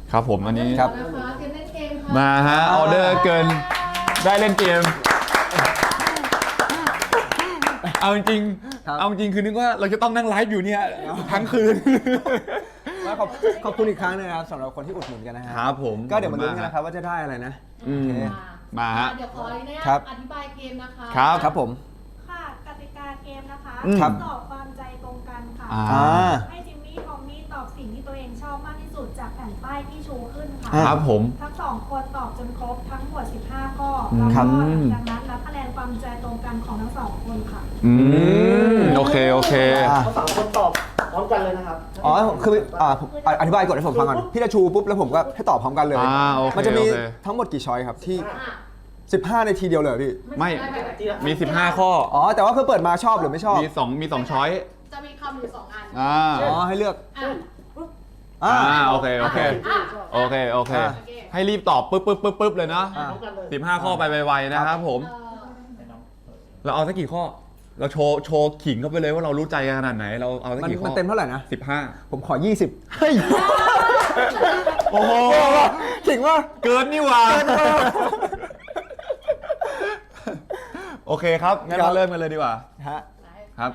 ครับผมอันนี้ครับมาฮะออเดอร์เกินได้เล่นเกมเอาจริงคือนึกว่าเราจะต้องนั่งไลฟ์อยู่เนี่ยทั้งคืนขอบคุณอีกครั้งนะครับสำหรับคนที่อุดหนุนกันนะฮะครับผมก็เดี๋ยวมาลุ้นกันนะครับว่าจะได้อะไรนะมาฮะเดี๋ยวขออธิบายเกมนะคะครับผมค่ะกติกาเกมนะคะ ตอบความใจตรงกันค่ะให้จิมมี่ทอมมี่ตอบสิ่งที่ตัวเองชอบมากที่สุดจากแผ่นป้ายที่ชูขึ้นค่ะครับผมทั้ง2คนตอบจนครบทั้งหมด15ข้อแล้วก็ดังนั้นนับคะแนนความใจตรงกันของทั้ง2คนค่ะโอเคเขา3คนตอบพร้อมกันเลยนะครับอ๋อคืออธิบายก่อนให้ผมฟังก่อนพี่จะชูปุ๊บแล้วผมก็ให้ตอบพร้อมกันเลยมันจะมีทั้งหมดกี่ช้อยครับที่15ในทีเดียวเลยพี่ไม่มี15ข้ออ๋อแต่ว่าคือเปิดมาชอบหรือไม่ชอบมี2ช้อยจะมีคำอยู่2อันอ๋อให้เลือกโอเคให้รีบตอบปึ๊บเลยนะ15ข้อไปไวๆนะครับผมเราเอาสักกี่ข้อเราโชว์ขิงเข้าไปเลยว่าเรารู้ใจกันขนาดไหนเราเอาสักกี่ข้อมันเต็มเท่าไหร่นะ 15 ผมขอ20เฮ้ยโอ้โหขิงว่าเกินนี่หว่าโอเคครับงั้นเราเริ่มกันเลยดีกว่าครับ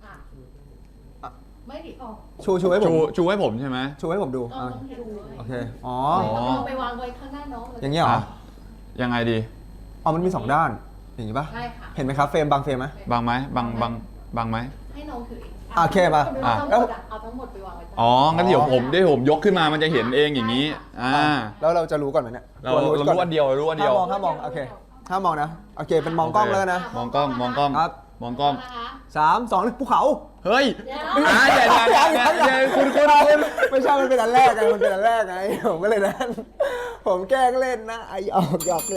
ไม่ดิชูให้ผมใช่ไหมชูให้ผมดูโอเคอ๋อไปวางไว้ข้างหน้าน้องเลยอย่างเงี้ยเหรอยังไงดีมันมี2ด้านอย่างนี้ป่ะใช่ค่ะเห็นไหมครับเฟรมบางเฟรมไหมบางไหมบางไหมให้น้องถือโอเคมาเอาทั้งหมดไปวางไว้งั้นเดี๋ยวผมยกขึ้นมามันจะเห็นเองอย่างนี้แล้วเราจะรู้ก่อนไหมเนี่ยเรารู้อันเดียวห้ามมองโอเคห้ามมองนะโอเคเป็นมองกล้องแล้วนะมองกล้องครับมองกล้อง 3 2ภูเขาเฮ้ยอย่าคุณไม่ใช่มันเป็นอันแรกไงผมก็เลยนั่นผมแกล้งเล่นนะไอ้หยอก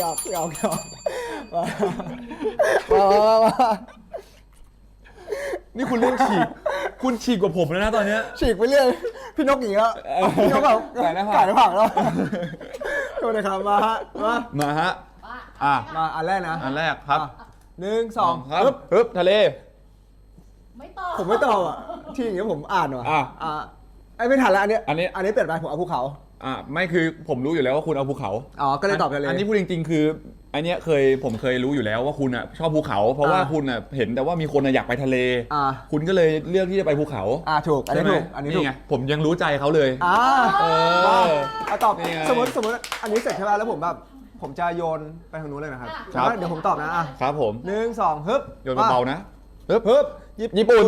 มานี่คุณเรื่องคุณฉีกกว่าผมแล้วนะตอนนี้ฉีกไปเรื่อยพี่นกอย่างเงี้ยพี่นกแบบไก่ในผักแล้วโทษนะครับมาฮะมาอันแรกนะอันแรกครับ 1 2 ฮึบทะเลไม่ตอบผมไม่ตอบที่อย่างเงี้ยผมอ่านว่ะไอ้ไม่ทันแล้วอันนี้เปลี่ยนไปผมเอาภูเขาไม่คือผมรู้อยู่แล้วว่าคุณเอาภูเขาก็เลยตอบทะเลอันนี้พูดจริงๆคืออันเนี้ยผมเคยรู้อยู่แล้วว่าคุณชอบภูเขาเพราะว่าคุณเห็นแต่ว่ามีคนอยากไปทะเลคุณก็เลยเลือกที่จะไปภูเขาถูกอันนี้ถูกนี่ไงผมยังรู้ใจเขาเลยตอบสมมติอันนี้เสร็จใช่ไหมแล้วผมจะโยนไปทางนู้นเลยนะครับเดี๋ยวผมตอบนะครับผม 1 2ฮึบโยนเบาๆนะฮึบญี่ปุ่น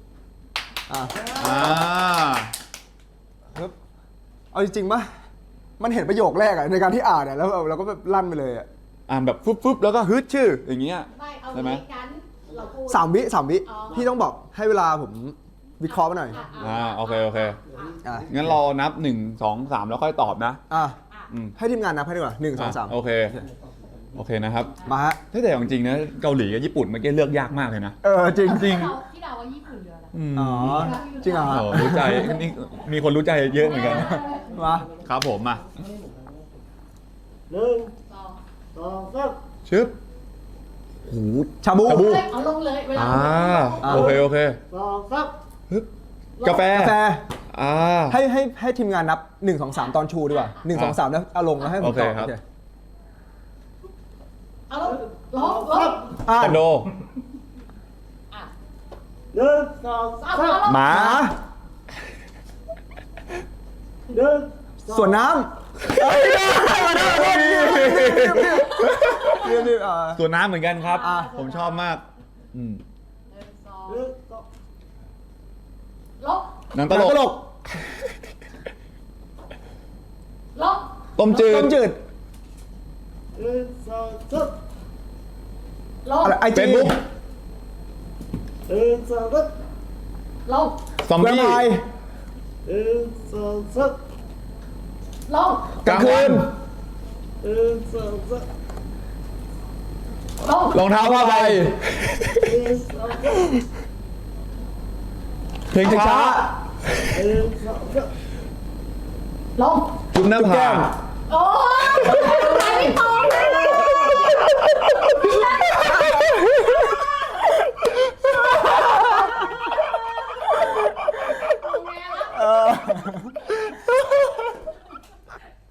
ฮึบเอาจริงๆป่ะมันเห็นประโยคแรกในการที่อ่านแล้วเราก็แบบลั่นไปเลยอ่านแบบฟึบแล้วก็ฮึดชื่ออย่างเงี้ยใช่ไหม 3 วิพี่ต้องบอกให้เวลาผมวิเคราะห์มาหน่อยโอเคงั้นเรานับ1 2 3แล้วค่อยตอบนะให้ทีมงานนับให้ดีกว่า1 2 3 โอเคนะครับมาฮะแต่จริงๆนะเกาหลีกับญี่ปุ่นเมื่อกี้เลือกยากมากเลยนะจริงที่เดาว่าญี่ปุ่นเยอะแล้วจริงเหรอรู้ใจนี่มีคนรู้ใจเยอะเหมือนกันมาครับผมมา 1 2 3 ชึบหูชาบูเอาลงเลยเวลาโอเค 2 3 ฮึบกาแฟให้ทีมงานนับ1 2 3ตอนชูดีกว่า1 2 3แล้วเอาลงแล้วให้ผมตอบเอาลงคอนโด 1 2 3 หมาส่วนน้ำส่วนน้ำเหมือนกันครับผมชอบมากหนังตลกต้มจืดไอจีซอมบี้กลางคืนรองเท้าผ้าใบเพลงช้าจุ๊บหน้าผากโอ้ยไม่ตอบเลย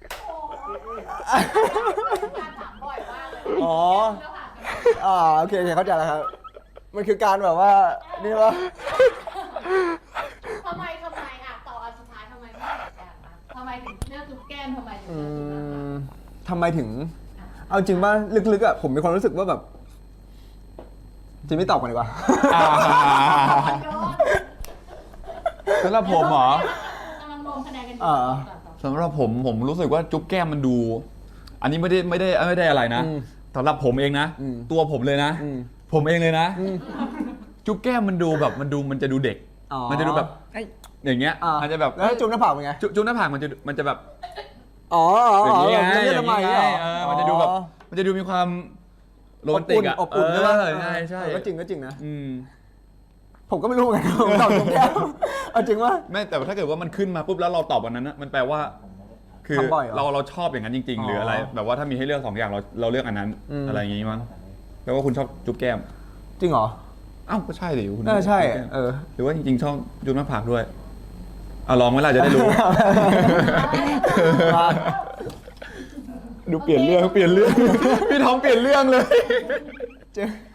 การถามบ่อยมากเลยอ๋อแล้วผ่านกันโอเคเข้าใจแล้วครับ มันคือการแบบว่านี่ว่าทำไมอ่ะต่ออันสุดท้ายทำไมไม่เหมือนกันนะทำไมถึงเลือกจุ๊บแก้มทำไมถึงเลือกจุ๊บนะคะทำไมถึง เอาจริงว่าลึกๆอ่ะผมมีความรู้สึกว่าแบบจริงไม่ตอบกันดีกว่าสำหรับผมเหรอกำลังรวมคะแนนกันอยู่อ่าต่อสำหรับผมรู้สึกว่าจุ๊บแก้มมันดู อันนี้ไม่ได้อะไรนะอืมสำหรับผมเองนะอืมตัวผมเลยนะอืมผมเองเลยนะ จุ๊บแก้มมันดูแบบมันจะดูเด็กอ๋อมันจะดูแบบอย่างเงี้ยมันจะแบบแล้วจุ๊บหน้าผากเป็นไงจุ๊บหน้าผากมันจะแบบอ๋ออย่างนี้ไงเลือดทำไมอย่างนี้เหรไงมันจะดูแบบมันจะดูมีความโรแมนติกอะอบอุ่นใช่ปะใช่ก็จริงนะอืมผมก็ไม่รู้เหมือนกันผมตอบจุ๊บแก้มเอาจริงว่าไม่แต่ถ้าเกิดว่ามันขึ้นมาปุ๊บแล้วเราตอบวันนั้นนะมันแปลว่า คือทำบ่อยเหรอเราชอบอย่างนั้นจริง ๆ หรืออะไร แบบว่าถ้ามีให้เลือก2อย่างเราเลือกอันนั้น อะไรอย่างงี้มั้งแปลว่าคุณชอบจุ๊บแก้มจริงเหรออ้าวก็ใช่ดิคุณน่าใช่จุ๊บแก้มเออหรือว่าจริงๆชอบจุ๊บหน้าผากด้วยเอาลองไหมล่ะจะได้รู้ ดูเปลี่ยนเรื่องพี่ทอมเปลี่ยนเรื่องเลยเจอ